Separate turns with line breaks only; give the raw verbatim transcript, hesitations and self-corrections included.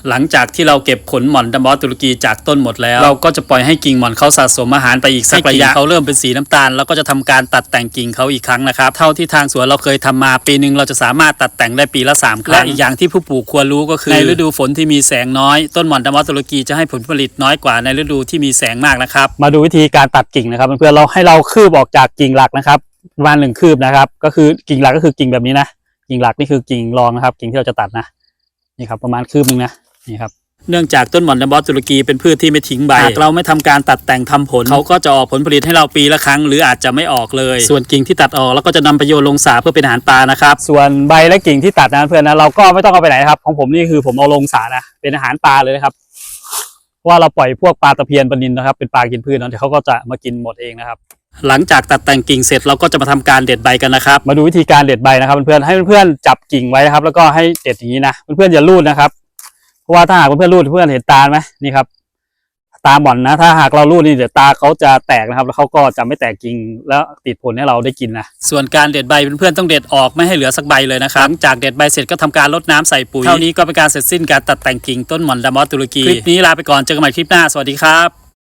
หลังจากที่เราเก็บผลหม่อนดัมบอสตุรกีจากต้นหมดแล้วเราก็จะปล่อยให้กิ่งหม่อนเขาสะสมอาหารไปอีกสักระยะเขาเริ่มเป็นสีน้ำตาลแล้วก็จะทำการตัดแต่งกิ่งเขาอีกครั้งนะครับเท่าที่ทางสวนเราเคยทำมาปีนึงเราจะสามารถตัดแต่งได้ปีละสามครั้งและอีกอย่างที่ผู้ปลูกควรรู้ก็คือในฤดูฝนที่มีแสงน้อยต้นหม่อนดัมบอสตุรกีจะให้ผลผลิตน้อยกว่าในฤดูที่มีแสงมากนะครับมาดูวิธีการตัดกิ่งนะครับเพื่อนๆเราให้เราคืบออกจากกิ่งหลักนะครับประมาณหนึ่งคืบนะครับก็คือกิ่งหลักก็คือกิ่งแบบนี้นะกิ่งหลักนี่คือกิ่งรองนะครับกิ่งที่เราจะตัดนะนี่ครับประมาณคืบนึงนะนี่ครับเนื่องจากต้นหม่อนดัมบอสตุรกีเป็นพืชที่ไม่ทิ้งใบหากเราไม่ทำการตัดแต่งทำผลเขาก็จะออกผลผลิตให้เราปีละครั้งหรืออาจจะไม่ออกเลยส่วนกิ่งที่ตัดออกแล้วก็จะนำไปโยนลงสระเพื่อเป็นอาหารปลานะครับส่วนใบและกิ่งที่ตัดนะเพื่อนนะเราก็ไม่ต้องเอาไปไหนครับของผมนี่คือผมเอาลงสระนะเป็นอาหารปลาเลยนะครับเพราะว่าเราปล่อยพวกปลาตะเพียนปลานิลนะครับเป็นปลากินพืชนะเดี๋ยวเขาก็จะมากินหมดเองนะครับหลังจากตัดแต่งกิ่งเสร็จเราก็จะมาทำการเด็ดใบกันนะครับมาดูวิธีการเด็ดใบนะครับเพื่อนๆให้เพื่อนๆจับกิ่งไว้นะครับแล้วก็ให้เด็ดอย่างนี้นะเพื่อนๆอย่าลูดนะครับเพราะว่าถ้าหากเพื่อนๆลูดเพื่อนเห็นตาไหมนี่ครับตาบ่อนนะถ้าหากเราลูดนี่เดี๋ยวตาเขาจะแตกนะครับแล้วเขาก็จะไม่แตกกิ่งแล้วติดผลให้เราได้กินนะส่วนการเด็ดใบเพื่อนๆต้องเด็ดออกไม่ให้เหลือสักใบเลยนะครับหลังจากเด็ดใบเสร็จก็ทำการรดน้ำใส่ปุ๋ยเท่านี้ก็เป็นการเสร็จสิ้นการตัดแต่งกิ่งต้นหม่อนดัมบอสตุรกีคลิปนี้ลาไปก่อนเจอกันใหม่คลิปหน้าสวัสดีครับ